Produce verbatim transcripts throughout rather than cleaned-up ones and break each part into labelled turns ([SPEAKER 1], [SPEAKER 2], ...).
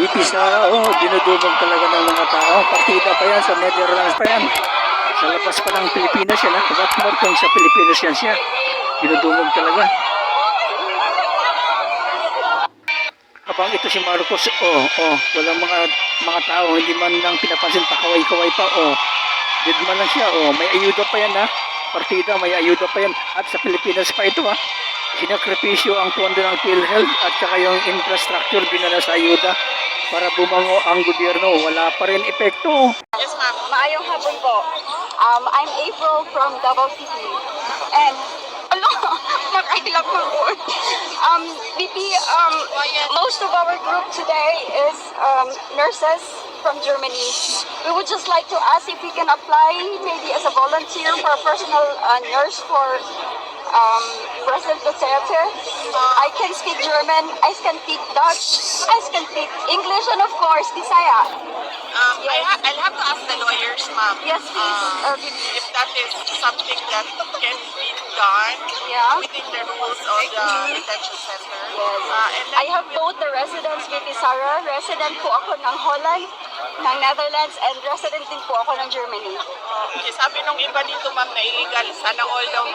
[SPEAKER 1] V P sa, oh, dinudubog talaga ng mga tao. Partida pa yan, sa Netherlands pa yan. Sa labas pa ng Pilipinas yan, ha? What more kung sa Pilipinas yan siya. Dinudubog talaga. Habang ito si Marcos, oh, oh, walang mga mga tao, hindi man lang pinapansin, pakaway-kaway pa, oh. Dead man lang siya, oh, may ayuda pa yan, ha. Partida, may ayuda pa yan. At sa Pilipinas pa ito, ha. Sinakripisyo ang pondo ng PhilHealth at saka yung infrastructure dinala sa ayuda para bumango ang gobyerno. Wala pa rin epekto.
[SPEAKER 2] Yes, ma'am. Maayong hapon po. Um, I'm April from Davao City. And, ano, nakailang po po. Um, B P, um, most of our group today is um, nurses from Germany. We would just like to ask if we can apply maybe as a volunteer for a personal uh, nurse for um, President Duterte. I can speak German, I can speak Dutch, I can speak English, and of course, Bisaya.
[SPEAKER 3] Um, I ha I'll have to ask the lawyers, ma'am.
[SPEAKER 2] Yes, please.
[SPEAKER 3] Um,
[SPEAKER 2] Uh,
[SPEAKER 3] if that is something that can be done
[SPEAKER 2] yeah.
[SPEAKER 3] within the rules of the detention center.
[SPEAKER 2] Yes.
[SPEAKER 3] Uh, and
[SPEAKER 2] I have both the residence with Sara. Resident po ako ng Holland, ng Netherlands, and resident din po ako ng Germany.
[SPEAKER 3] uh, okay, sabi nung iba dito, ma'am, na illegal. Sana all daw.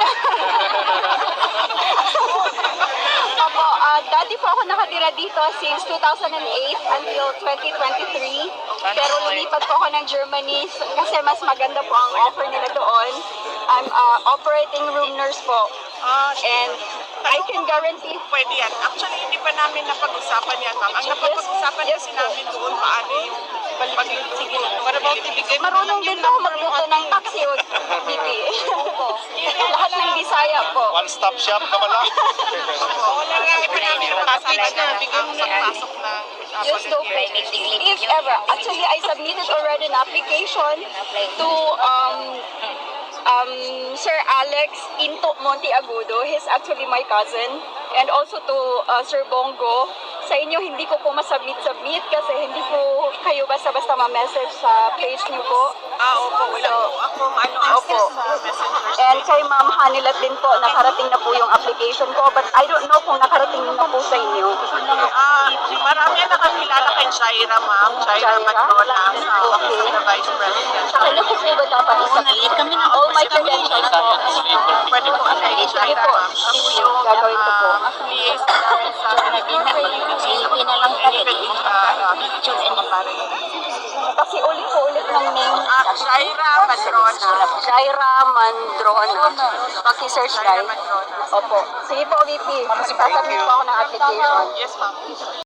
[SPEAKER 2] Opo, uh, dati po ako nakatira dito since two thousand eight until twenty twenty-three. Pero lumipat po ako ng Germany kasi mas maganda po ang offer nila doon. I'm uh, operating room nurse po.
[SPEAKER 3] Uh,
[SPEAKER 2] And I can guarantee
[SPEAKER 3] pwede yan. Actually, hindi pa namin napag-usapan yan, ma'am. Ang napag-usapan
[SPEAKER 2] Yes,
[SPEAKER 3] kasi
[SPEAKER 2] po.
[SPEAKER 3] namin doon, paano yung pagluluto. What about ibigay mo
[SPEAKER 2] marunong din po ako magluto ng taxi o B P. Lahat ng Bisaya po.
[SPEAKER 4] One-stop shop naman lang.
[SPEAKER 3] Wala nga, iba namin yung package na bigay mo sa pasok na
[SPEAKER 2] Just don't pay me. If ever. Actually, I submitted already an application to um um Sir Alex Into Monteagudo. He's actually my cousin. And also to uh, Sir Bongo. Sa inyo, hindi ko po masubmit-submit kasi hindi po kayo basta-basta ma-message sa page niyo po.
[SPEAKER 3] Ah, opo, wala
[SPEAKER 2] So,
[SPEAKER 3] po. Ako, ano,
[SPEAKER 2] Opo.
[SPEAKER 3] access sa messengers.
[SPEAKER 2] And kay Ma'am Hanilat din po, nakarating na po yung application ko. But I don't know kung nakarating na po sa inyo.
[SPEAKER 3] Ah, marami na nakakilala kay Jaira, ma'am. Jaira
[SPEAKER 2] Jaira?
[SPEAKER 3] Matrona, sa
[SPEAKER 2] Okay.
[SPEAKER 3] office of the Vice President.
[SPEAKER 2] Sa kanya po po ba dapat isubmit? All my credentials po.
[SPEAKER 3] Pwede po kay
[SPEAKER 2] Sige
[SPEAKER 3] Jaira,
[SPEAKER 2] po.
[SPEAKER 3] ma'am. Ako yung
[SPEAKER 2] Gagawin ko po.
[SPEAKER 3] ah, liaison namin sa
[SPEAKER 5] Silipin na lang pala
[SPEAKER 3] Pwede,
[SPEAKER 5] din.
[SPEAKER 3] ah, ah, picture and pare.
[SPEAKER 2] Kasi ulit po ulit ng name.
[SPEAKER 3] Ah, Jaira Matrona.
[SPEAKER 2] Jaira Mandrona. Paki-search guys.
[SPEAKER 3] Matrona.
[SPEAKER 2] Opo. Sige po, V P. Sasabit po ako ng application.
[SPEAKER 3] Yes, ma'am.